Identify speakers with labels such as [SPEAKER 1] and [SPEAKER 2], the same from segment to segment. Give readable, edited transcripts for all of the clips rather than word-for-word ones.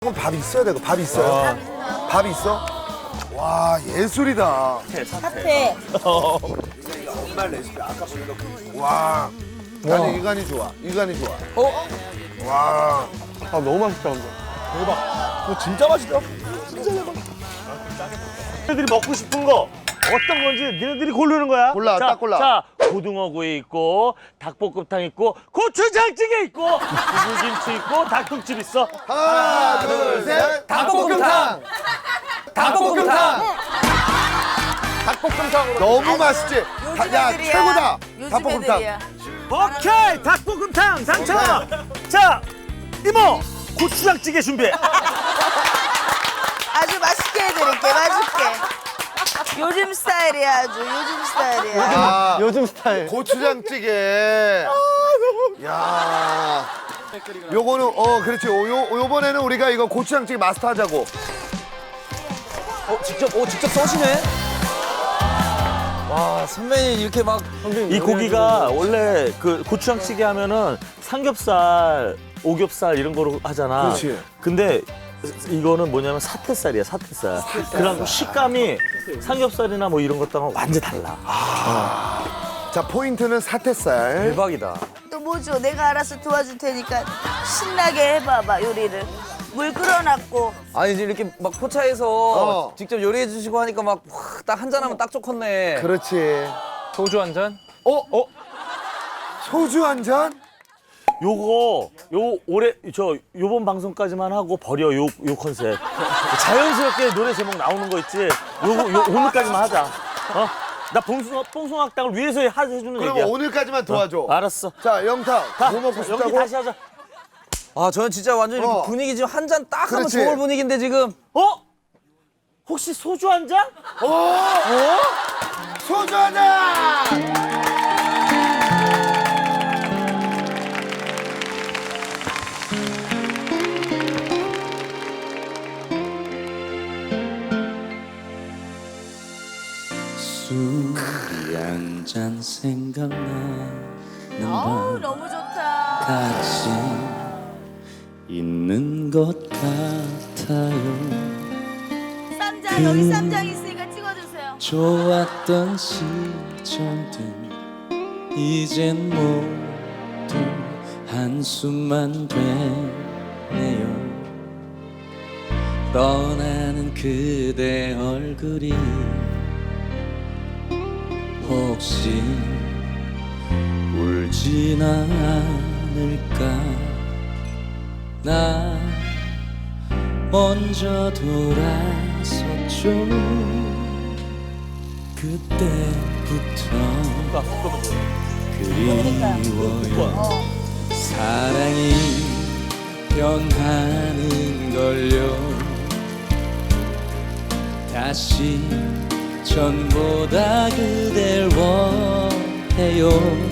[SPEAKER 1] 그럼 밥 있어야 되고 밥 있어요? 밥 있어? 와 예술이다.
[SPEAKER 2] 사태.
[SPEAKER 1] 정말 레시피 아까 보니까 와. 아니 이간이 좋아. 이간이 좋아. 와.
[SPEAKER 3] 아 너무 맛있다 근데. 대박. 이거 진짜 맛있다. 진짜 대박.
[SPEAKER 4] 너희들이 먹고 싶은 거 어떤 건지 너희들이 고르는 거야.
[SPEAKER 1] 골라,
[SPEAKER 4] 자,
[SPEAKER 1] 딱 골라.
[SPEAKER 4] 자, 고등어구이 있고 닭볶음탕 있고 고추장찌개 있고 두부김치 있고 닭국집 있어.
[SPEAKER 1] 하나 둘 셋.
[SPEAKER 3] 닭볶음탕. 닭볶음탕.
[SPEAKER 1] 닭볶음탕으로. 너무 맛있지. 야 최고다. 닭볶음탕.
[SPEAKER 4] 오케이, 닭볶음탕 당첨. 자, 이모 고추장찌개 준비해.
[SPEAKER 2] 아주 맛있게 해드릴게, 맛있게. 요즘 스타일이야, 아주 요즘 스타일이야.
[SPEAKER 1] 아,
[SPEAKER 3] 요즘 스타일.
[SPEAKER 1] 고추장찌개. 야. 요거는 그렇지. 요번에는 우리가 이거 고추장찌개 마스터하자고.
[SPEAKER 5] 직접 써시네? 와, 선배님 이렇게 막.
[SPEAKER 4] 이 고기가 원래 그 고추장찌개 하면은 삼겹살, 오겹살 이런 거로 하잖아.
[SPEAKER 1] 그렇지.
[SPEAKER 4] 근데 이거는 뭐냐면 사태살이야, 사태살. 그래갖고 식감이 삼겹살이나 뭐 이런 것랑은 완전 달라.
[SPEAKER 1] 자 포인트는 사태살.
[SPEAKER 5] 대박이다.
[SPEAKER 2] 또 뭐죠? 내가 알아서 도와줄 테니까 신나게 해봐봐, 요리를. 물 끓여놨고.
[SPEAKER 5] 아니, 이제 이렇게 막 포차에서
[SPEAKER 1] 어.
[SPEAKER 5] 직접 요리해 주시고 하니까 막 딱 한 잔 하면 딱 좋겠네.
[SPEAKER 1] 그렇지.
[SPEAKER 5] 소주 한 잔?
[SPEAKER 1] 소주 한 잔?
[SPEAKER 4] 요거 요번 방송까지만 하고 버려 요 컨셉. 자연스럽게 노래 제목 나오는 거 있지. 요 오늘까지만 하자. 나 뽕숭악당을 위해서 해주는
[SPEAKER 1] 그럼
[SPEAKER 4] 얘기야.
[SPEAKER 1] 오늘까지만 도와줘.
[SPEAKER 4] 알았어.
[SPEAKER 1] 자 영탁
[SPEAKER 4] 가.
[SPEAKER 1] 뭐 먹고
[SPEAKER 4] 여기
[SPEAKER 1] 싶다고?
[SPEAKER 4] 다시 하자.
[SPEAKER 5] 아, 저는 진짜 완전 이렇게
[SPEAKER 1] 어.
[SPEAKER 5] 분위기 지금 한 잔 딱 하면
[SPEAKER 1] 그렇지.
[SPEAKER 5] 좋을 분위기인데 지금.
[SPEAKER 4] 혹시 소주 한 잔?
[SPEAKER 1] 소주 한 잔!
[SPEAKER 6] 술이 한 잔 생각나는 밤
[SPEAKER 2] 너무 좋다.
[SPEAKER 6] 같이 있는 것 같아요.
[SPEAKER 2] 쌈장, 여기 쌈장 있으니까 찍어주세요.
[SPEAKER 6] 좋았던 시절들 이젠 모두 한숨만 되네요. 떠나는 그대 얼굴이 혹시 울진 않을까. 나 먼저 돌아섰죠. 그때부터 그리워요. 사랑이 변하는 걸요. 다시 전보다 그댈 원해요.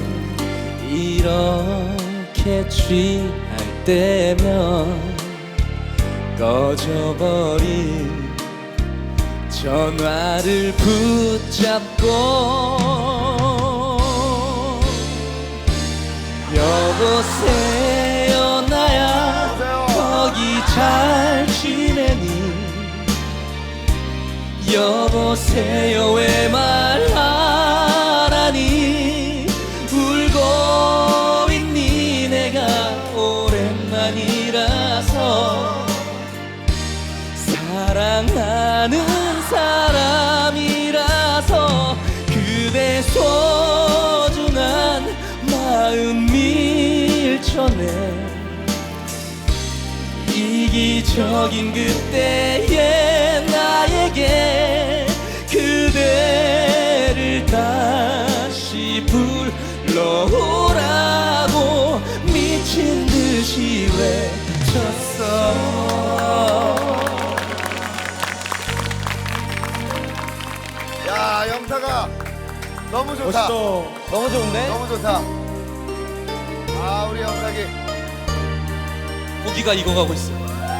[SPEAKER 6] 이렇게 취할 때면 꺼져버린 전화를 붙잡고 여보세요 나야 거기 잘 지내니. 여보세요 왜 말 안 하니. 울고 있니. 내가 오랜만이라서 사랑하는 사람이라서 그대 소중한 마음 밀쳐내. 이기적인 그때의 나에게 그대를 다시 불러오라고 미친 듯이 외쳤어.
[SPEAKER 1] 야 영탁아 너무 좋다.
[SPEAKER 5] 너무 좋은데?
[SPEAKER 1] 너무 좋다. 아 우리 영탁이.
[SPEAKER 6] 고기가 익어가고 있어.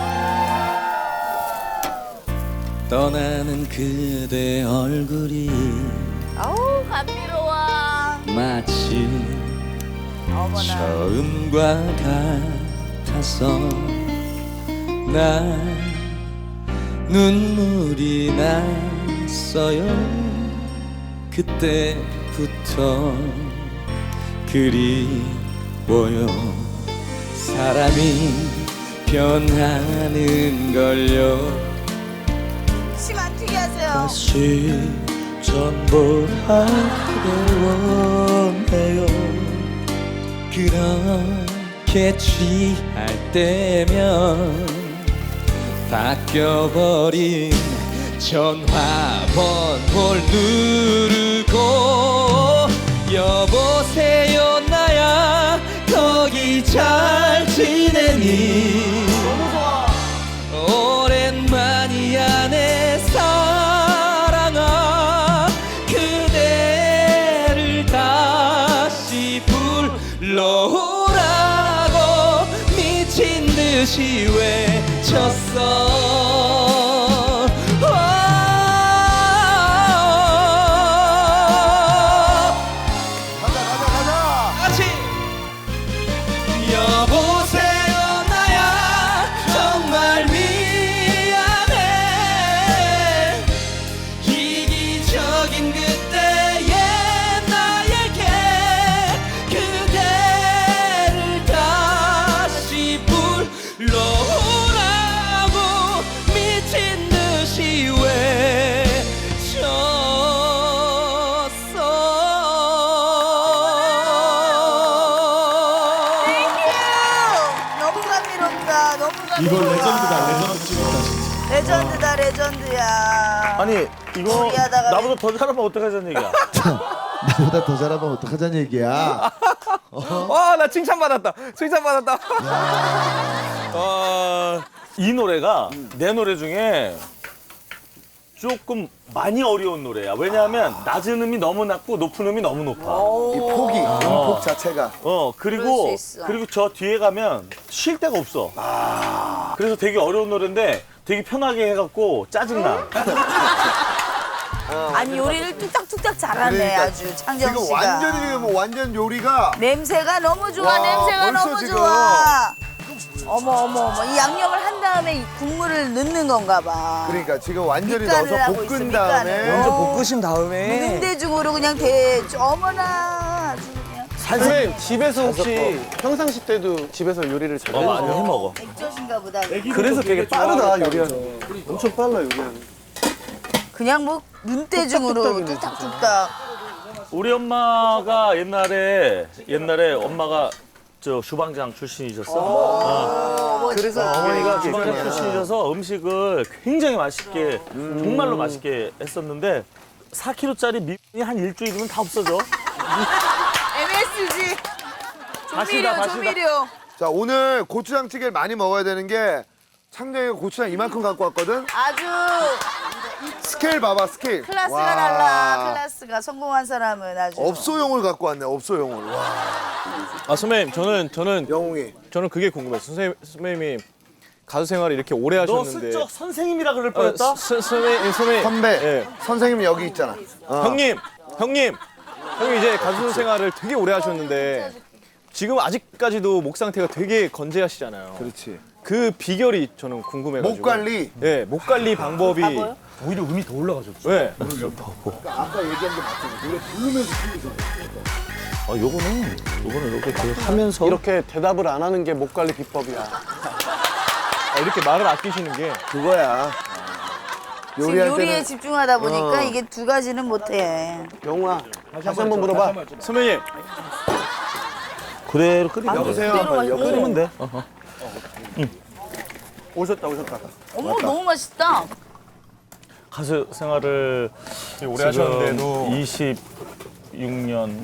[SPEAKER 6] 떠나는 그대 얼굴이
[SPEAKER 2] 아우, 감미로워.
[SPEAKER 6] 마치
[SPEAKER 2] 어머나.
[SPEAKER 6] 처음과 같아서 나 눈물이 났어요. 그때부터 그리워요. 사람이 변하는 걸요.
[SPEAKER 2] 침 안 튀게 하세요.
[SPEAKER 6] 다시 전보하길 원해요. 그렇게 취할 때면 바뀌어버린 전화번호를 누르고 여보세요 나야 거기 잘 지내니. 너무 좋아. 오랜만이야 내 사랑아. 그대를 다시 불러오라고 미친 듯이 외쳤어. 같이 여보세요 나야 정말 미안해. 이기적인 그때의 나에게 그대를 다시 불러오라고 미친 듯이
[SPEAKER 2] 너무 감미롭다. 너무 감미롭다.
[SPEAKER 3] 이거 레전드다. 레전드 찍었다 진짜.
[SPEAKER 2] 레전드다 레전드야.
[SPEAKER 4] 아니 이거
[SPEAKER 2] 요리하다가
[SPEAKER 4] 나보다 더 잘하면 어떡하자는 얘기야.
[SPEAKER 1] 나보다 더 잘하면 어떡하자는 얘기야.
[SPEAKER 5] 와, 나 칭찬받았다. 칭찬받았다.
[SPEAKER 4] 이 노래가 내 노래 중에 조금 많이 어려운 노래야. 왜냐하면 낮은 음이 너무 낮고 높은 음이 너무 높아.
[SPEAKER 1] 이 폭이, 음폭 자체가.
[SPEAKER 2] 그럴
[SPEAKER 4] 그리고
[SPEAKER 2] 수 있어.
[SPEAKER 4] 그리고 저 뒤에 가면 쉴 데가 없어. 그래서 되게 어려운 노래인데 되게 편하게 해갖고 짜증나.
[SPEAKER 2] 아니 요리를 뚝딱뚝딱 잘하네
[SPEAKER 1] 그러니까
[SPEAKER 2] 아주 창정
[SPEAKER 1] 지금
[SPEAKER 2] 씨가.
[SPEAKER 1] 완전히 지금 완전 요리가
[SPEAKER 2] 냄새가 너무 좋아.
[SPEAKER 1] 와,
[SPEAKER 2] 냄새가
[SPEAKER 1] 벌써
[SPEAKER 2] 너무
[SPEAKER 1] 지금.
[SPEAKER 2] 좋아. 어머 이 양념을 한 다음에 이 국물을 넣는 건가 봐.
[SPEAKER 1] 그러니까 지금 완전히
[SPEAKER 2] 밑간을
[SPEAKER 1] 넣어서
[SPEAKER 2] 하고
[SPEAKER 1] 볶은
[SPEAKER 2] 있어,
[SPEAKER 1] 다음에
[SPEAKER 2] 밑간을.
[SPEAKER 5] 먼저 볶으신 다음에.
[SPEAKER 2] 무능대중으로 그냥 어머나 아주 그냥
[SPEAKER 3] 선생님 집에서 혹시 평상시 때도 집에서 요리를 잘
[SPEAKER 4] 많이 해 먹어.
[SPEAKER 2] 액젓인가 보다.
[SPEAKER 3] 그래서 되게 빠르다 요리하는. 엄청 빨라 요리하는.
[SPEAKER 2] 그냥 뭐 눈대중으로 뚝딱뚝딱.
[SPEAKER 4] 우리 엄마가 옛날에 엄마가 저 주방장 출신이셨어.
[SPEAKER 2] 그래서
[SPEAKER 4] 어머니가 주방장 출신이셔서 음식을 굉장히 맛있게 정말로 맛있게 했었는데 4kg짜리 미분이 한 일주일이면 다 없어져.
[SPEAKER 2] MSG
[SPEAKER 4] 다시다, 다시다.
[SPEAKER 2] 조미료.
[SPEAKER 1] 자 오늘 고추장찌개를 많이 먹어야 되는 게 창정이가 고추장 이만큼 갖고 왔거든.
[SPEAKER 2] 아주
[SPEAKER 1] 스케일 봐봐 스케일.
[SPEAKER 2] 클래스가
[SPEAKER 1] 와.
[SPEAKER 2] 달라. 클래스가 성공한 사람은 아주.
[SPEAKER 1] 업소용을 갖고 왔네 업소용을. 와
[SPEAKER 3] 아 선배님 저는
[SPEAKER 1] 영웅이.
[SPEAKER 3] 그게 궁금해요. 선배님이 가수 생활을 이렇게 오래
[SPEAKER 4] 너
[SPEAKER 3] 하셨는데.
[SPEAKER 4] 슬쩍 선생님이라 그럴 뻔했다?
[SPEAKER 3] 선배님
[SPEAKER 1] 선배
[SPEAKER 3] 예.
[SPEAKER 1] 선생님 여기 있잖아.
[SPEAKER 3] 형님 이제 가수 생활을 되게 오래 하셨는데 지금 아직까지도 목 상태가 되게 건재하시잖아요.
[SPEAKER 1] 그렇지.
[SPEAKER 3] 그 비결이 저는 궁금해가지고.
[SPEAKER 1] 목 관리.
[SPEAKER 3] 예, 목 관리 방법이.
[SPEAKER 4] 오히려 음이 더 올라가졌어.
[SPEAKER 3] 네.
[SPEAKER 1] 아까 얘기한 게 맞지. 노래 부르면서 틀리잖아.
[SPEAKER 4] 요거는 이렇게 하면서
[SPEAKER 7] 이렇게 대답을 안 하는 게 목 관리 비법이야.
[SPEAKER 3] 이렇게 말을 아끼시는 게.
[SPEAKER 1] 그거야.
[SPEAKER 2] 지금
[SPEAKER 1] 요리할
[SPEAKER 2] 요리에
[SPEAKER 1] 때는
[SPEAKER 2] 집중하다 보니까 이게 두 가지는 못해.
[SPEAKER 7] 영웅아, 다시 한번 물어봐.
[SPEAKER 3] 선배님
[SPEAKER 4] 그대로 끓이면 돼.
[SPEAKER 1] 여보세요.
[SPEAKER 4] 끓이면 돼.
[SPEAKER 7] 오셨다.
[SPEAKER 2] 어머 너무 맛있다.
[SPEAKER 4] 가수 생활을
[SPEAKER 3] 오래 하셨는데도
[SPEAKER 4] 26년.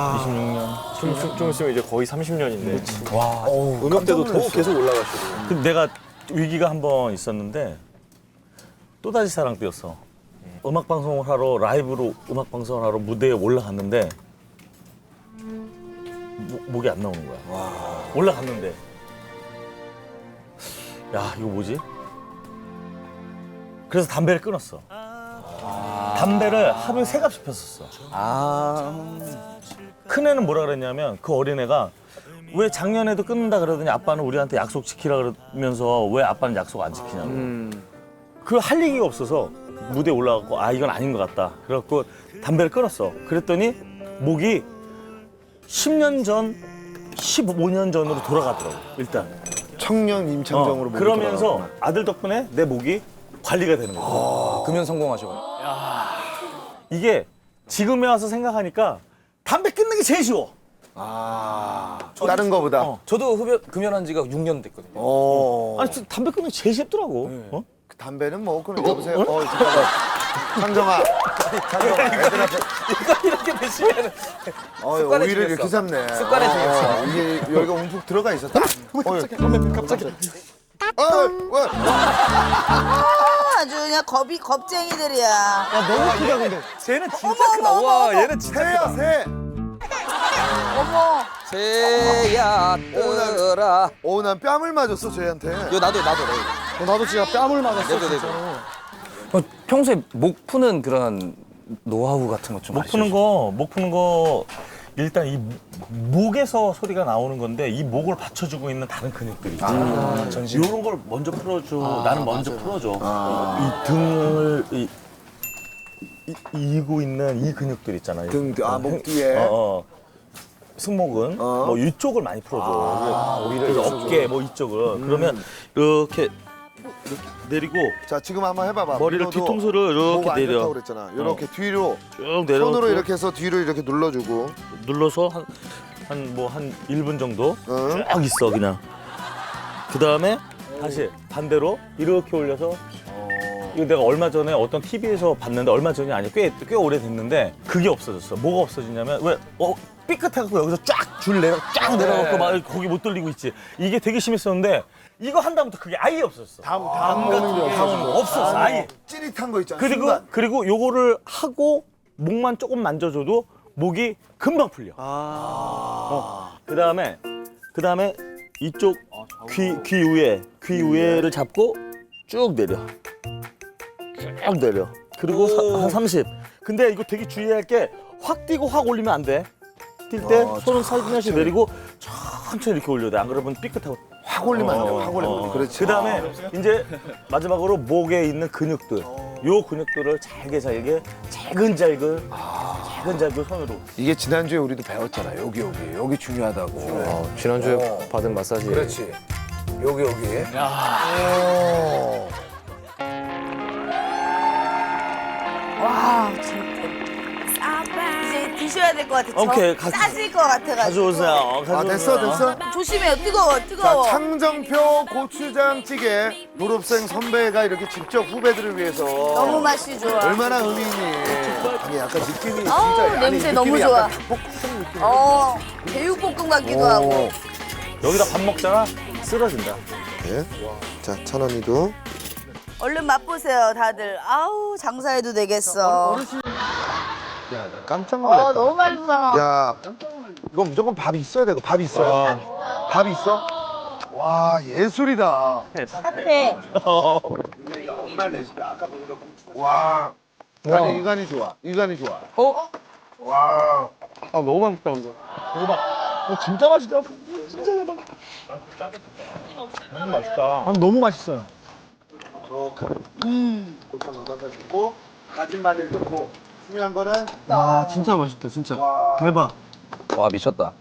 [SPEAKER 3] 좀 있으면 이제 거의 30년인데. 와. 음역대도 더 계속 올라가시고.
[SPEAKER 4] 근데 내가 위기가 한 번 있었는데 또다시 사랑 때였어. 음악 방송을 하러 라이브로 음악 방송을 하러 무대에 올라갔는데 목이 안 나오는 거야. 올라갔는데 야 이거 뭐지? 그래서 담배를 끊었어. 담배를 하루에 3갑씩 폈었어. 큰애는 뭐라 그랬냐면 그 어린애가 왜 작년에도 끊는다 그러더니 아빠는 우리한테 약속 지키라 그러면서 왜 아빠는 약속 안 지키냐고. 그 할 얘기가 없어서 무대에 올라가고 아 이건 아닌 것 같다. 그래갖고 담배를 끊었어. 그랬더니 목이 10년 전, 15년 전으로 돌아가더라고. 일단.
[SPEAKER 1] 청년 임창정으로 목이
[SPEAKER 4] 그러면서
[SPEAKER 1] 돌아가구나.
[SPEAKER 4] 아들 덕분에 내 목이 관리가 되는 거야.
[SPEAKER 5] 금연 성공하셔.
[SPEAKER 4] 이게 지금에 와서 생각하니까 담배 끊는 게 제일 쉬워.
[SPEAKER 1] 다른 거보다.
[SPEAKER 5] 저도 금연한 지가 6년 됐거든요.
[SPEAKER 1] 어.
[SPEAKER 4] 아니 진짜 담배 끊는 게 제일 쉽더라고. 어?
[SPEAKER 1] 그 담배는 뭐 그럼 여보세요. 잠깐만. 창정아. 창정아. 애들 앞에.
[SPEAKER 5] 이거 이렇게 드시면 습관에
[SPEAKER 1] 오이를 이렇게
[SPEAKER 5] 들였어.
[SPEAKER 1] 잡네.
[SPEAKER 5] 습관에 들였어.
[SPEAKER 1] 이게 여기가 움푹 들어가 있었다. 갑자기. 왜?
[SPEAKER 2] 아주 그냥 겁쟁이들이야.
[SPEAKER 7] 너무 크다 근데.
[SPEAKER 5] 쟤는 진짜 크다. 와, 얘는 진짜
[SPEAKER 1] 새야 새.
[SPEAKER 2] 어머.
[SPEAKER 5] 새야 뜨라.
[SPEAKER 1] 난 뺨을 맞았어 쟤한테.
[SPEAKER 5] 이거 나도.
[SPEAKER 7] 나도 진짜 뺨을 맞았어.
[SPEAKER 5] 네네. 평소에 목 푸는 그런 노하우 같은 것 좀
[SPEAKER 4] 목 푸는 거 일단 이 목에서 소리가 나오는 건데 이 목을 받쳐주고 있는 다른 근육들이 있잖아. 이런 걸 먼저 풀어줘. 나는 먼저 풀어줘. 이 등을 이고 있는 이 근육들 있잖아요.
[SPEAKER 1] 목 뒤에.
[SPEAKER 4] 승모근 뭐 이쪽을 많이 풀어줘. 그래서 어깨 뭐 이쪽을 그러면 이렇게 내리고
[SPEAKER 1] 자 지금 한번 해봐봐.
[SPEAKER 4] 머리를
[SPEAKER 1] 민호도
[SPEAKER 4] 뒤통수를
[SPEAKER 1] 목
[SPEAKER 4] 이렇게
[SPEAKER 1] 안
[SPEAKER 4] 내려.
[SPEAKER 1] 좋다고 그랬잖아. 이렇게 뒤로
[SPEAKER 4] 쭉 내려.
[SPEAKER 1] 손으로 이렇게 해서 뒤로 이렇게 눌러주고.
[SPEAKER 4] 눌러서 한 1분 정도
[SPEAKER 1] 응.
[SPEAKER 4] 쭉 있어 그냥. 그 다음에 다시 반대로 이렇게 올려서. 이거 내가 얼마 전에 어떤 TV에서 봤는데 얼마 전이 아니야 꽤 오래 됐는데 그게 없어졌어. 뭐가 없어지냐면 왜 삐끗해갖고 여기서 쫙 내려갖고 막 거기 못 돌리고 있지. 이게 되게 심했었는데 이거 한 다음부터 그게 아예 없었어.
[SPEAKER 7] 다음 오는 게
[SPEAKER 4] 없었어 아예.
[SPEAKER 1] 찌릿한 거 있잖아. 순간.
[SPEAKER 4] 그리고 요거를 하고 목만 조금 만져줘도 목이 금방 풀려. 그다음에 이쪽 귀 위에를 잡고 쭉 내려. 쭉 내려. 그리고 한 30. 근데 이거 되게 주의할 게 확 뛰고 확 올리면 안 돼. 뛸 때 손은 살균하시 내리고 천천히 이렇게 올려야 돼. 안 그러면 삐끗하고.
[SPEAKER 1] 확 올리면 안 돼. 확 올리면 안 돼. 그렇지.
[SPEAKER 4] 그다음에 이제 마지막으로 목에 있는 근육들. 요 근육들을 잘게 잘근잘근 손으로.
[SPEAKER 1] 이게 지난주에 우리도 배웠잖아. 여기 중요하다고.
[SPEAKER 5] 지난주에 받은 마사지.
[SPEAKER 1] 그렇지. 여기.
[SPEAKER 2] 와 진짜. 이제 드셔야 될 것 같아.
[SPEAKER 4] 오케이,
[SPEAKER 2] 싸질 것 같아가지고.
[SPEAKER 4] 가져오세요.
[SPEAKER 1] 됐어.
[SPEAKER 2] 조심해요. 뜨거워.
[SPEAKER 1] 자, 창정표 고추장찌개 졸업생 선배가 이렇게 직접 후배들을 위해서
[SPEAKER 2] 너무 맛이 좋아.
[SPEAKER 1] 얼마나 의미 있니? 아니 약간 느낌이 진짜
[SPEAKER 2] 어우, 냄새 너무 좋아. 제육볶음 같기도 하고.
[SPEAKER 4] 여기다 밥 먹잖아. 쓰러진다.
[SPEAKER 1] 네. 자, 천원이도.
[SPEAKER 2] 얼른 맛보세요, 다들. 아우, 장사해도 되겠어.
[SPEAKER 1] 야, 나 깜짝 놀랐다.
[SPEAKER 2] 너무 맛있어.
[SPEAKER 1] 야, 이거 무조건 밥 있어야 되고 밥 있어요. 밥 있어? 와, 예술이다.
[SPEAKER 2] 사태.
[SPEAKER 1] 엄마 레시피 아까 보니까 와. 아니 이간이 좋아. 와.
[SPEAKER 7] 너무 맛있다 근데.
[SPEAKER 3] 진짜 맛있다. 너무 맛있다. 너무 맛있어요.
[SPEAKER 1] 고추 넣어가지고 다진 마늘 넣고 중요한 거는
[SPEAKER 7] 진짜 맛있다 진짜.
[SPEAKER 3] 대박.
[SPEAKER 5] 와, 미쳤다.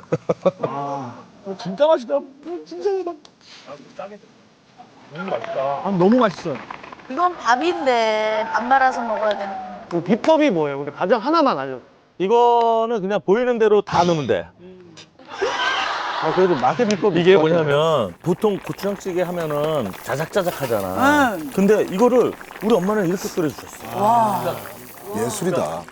[SPEAKER 3] 진짜 맛있다. 진짜 대박. 너무 맛있다. 너무 맛있어요.
[SPEAKER 2] 이건 밥인데 밥 말아서 먹어야 되는.
[SPEAKER 7] 그 비법이 뭐예요? 근데 가장 하나만 알려.
[SPEAKER 4] 이거는 그냥 보이는 대로 다 넣으면 돼.
[SPEAKER 7] 그래도 맛의 비법이
[SPEAKER 4] 이게
[SPEAKER 7] 있을 것 같아요.
[SPEAKER 4] 뭐냐면 보통 고추장찌개 하면은 자작자작 하잖아. 근데 이거를 우리 엄마는 이렇게 끓여주셨어.
[SPEAKER 1] 예술이다.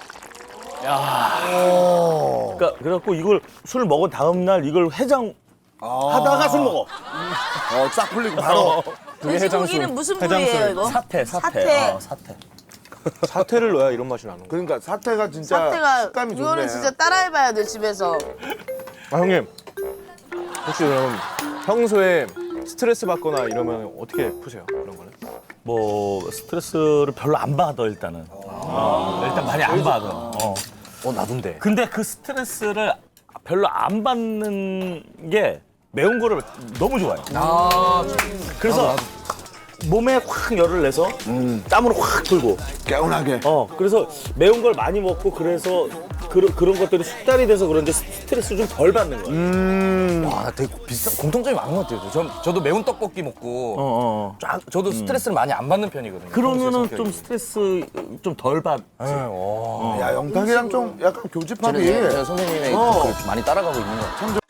[SPEAKER 4] 그러니까 그래갖고 이걸 술 먹은 다음 날 이걸 해장 하다가 술 먹어.
[SPEAKER 1] 싹 풀리고 바로.
[SPEAKER 2] 돼지고기는 무슨 부위예요, 이거?
[SPEAKER 4] 사태.
[SPEAKER 2] 사태.
[SPEAKER 4] 사태.
[SPEAKER 3] 사태를 넣어야 이런 맛이 나는 거야.
[SPEAKER 1] 그러니까 사태가 진짜
[SPEAKER 2] 사태가
[SPEAKER 1] 식감이 좋네.
[SPEAKER 2] 이거는 진짜 따라해봐야 돼 집에서.
[SPEAKER 3] 형님, 혹시 그럼 평소에 스트레스 받거나 이러면 어떻게 푸세요? 그런 거는?
[SPEAKER 4] 뭐 스트레스를 별로 안 받아 일단은. 일단 많이 안 받아.
[SPEAKER 5] 나도인데.
[SPEAKER 4] 근데 그 스트레스를 별로 안 받는 게 매운 거를 너무 좋아해요. 그래서 몸에 확 열을 내서 땀을 확 돌고
[SPEAKER 1] 개운하게.
[SPEAKER 4] 그래서 매운 걸 많이 먹고 그래서 그런 것들이 숙달이 돼서 그런지 스트레스 좀 덜 받는 거예요.
[SPEAKER 5] 와, 나 되게 비슷한 공통점이 많은 것 같아요. 저도 매운 떡볶이 먹고 저도 스트레스를 많이 안 받는 편이거든요.
[SPEAKER 4] 그러면은
[SPEAKER 5] 평소에
[SPEAKER 4] 좀
[SPEAKER 5] 성격이.
[SPEAKER 4] 스트레스 좀 덜 받.
[SPEAKER 1] 야 영탁이랑 좀 약간 교집합이.
[SPEAKER 5] 제가 선생님의 그 많이 따라가고 있는 것 같아요.